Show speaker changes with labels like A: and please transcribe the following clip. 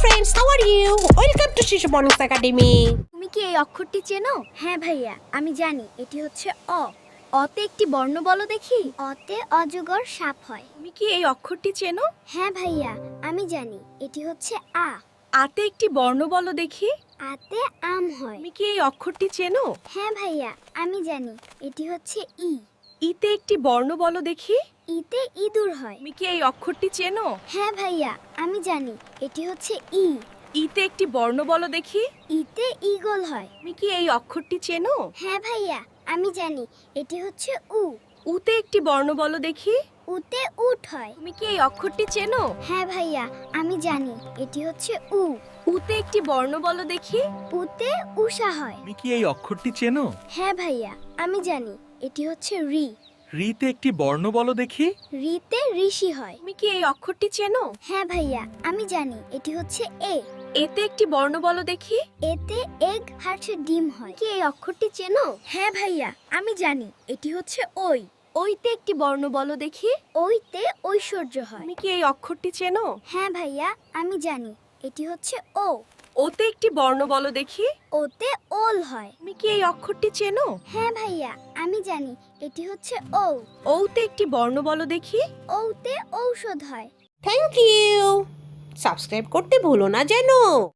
A: friends, how are you? Welcome to Shishu Mornings Academy.
B: তুমি কি এই অক্ষরটি চেনো? হ্যাঁ ভাইয়া, আমি জানি এটি হচ্ছে অ। অতে একটি বর্ণ বলো দেখি। অতে অজগর সাপ হয়।
C: তুমি কি এই অক্ষরটি চেনো?
B: হ্যাঁ ভাইয়া, আমি জানি এটি হচ্ছে আ।
C: আতে একটি বর্ণ বলো দেখি।
B: আতে আম হয়।
C: তুমি কি এই অক্ষরটি চেনো?
B: হ্যাঁ ভাইয়া, আমি জানি এটি হচ্ছে ই।
C: ইতে একটি বর্ণ বলো দেখি।
B: ইতে ইঁদুর হয়।
C: তুমি কি এই অক্ষরটি চেনো?
B: হ্যাঁ ভাইয়া, আমি জানি এটি হচ্ছে ই।
C: ইতে একটি বর্ণ বলো দেখি।
B: ইতে ঈগল হয়।
C: তুমি কি এই অক্ষরটি চেনো?
B: হ্যাঁ ভাইয়া, আমি জানি এটি হচ্ছে উ।
C: উতে একটি বর্ণ বলো দেখি।
B: উতে উট হয়।
C: তুমি কি এই অক্ষরটি চেনো?
B: হ্যাঁ ভাইয়া, আমি জানি এটি হচ্ছে উ।
C: উতে একটি বর্ণ বলো দেখি।
B: উতে উষা হয়।
D: তুমি কি এই অক্ষরটি চেনো?
B: হ্যাঁ ভাইয়া, আমি জানি এটি হচ্ছে রি।
D: রিতে একটি বর্ণ বলো দেখি।
B: রিতে ঋষি হয়।
C: তুমি কি এই অক্ষরটি চেনো?
B: হ্যাঁ ভাইয়া, আমি জানি এটি হচ্ছে এ।
C: এতে একটি বর্ণ বলো দেখি।
B: এতে এগ হার্টে ডিম হয়। কি এই অক্ষরটি চেনো?
C: হ্যাঁ ভাইয়া, আমি জানি এটি হচ্ছে ওই। ওইতে একটি বর্ণ বলো দেখি।
B: ওইতে ঐশ্বর্য হয়।
C: তুমি কি এই অক্ষরটি চেনো?
B: হ্যাঁ ভাইয়া, আমি জানি এটি হচ্ছে ও।
C: ওতে একটি বর্ণ বলো দেখি।
B: ওতে ওল হয়।
C: তুমি কি এই অক্ষরটি চেনো?
B: হ্যাঁ ভাইয়া, আমি জানি এটি হচ্ছে ও।
C: ওতে একটি বর্ণ বলো দেখি।
B: ওতে ঔষধ হয়।
A: Thank you. Subscribe করতে ভুলো না যেন।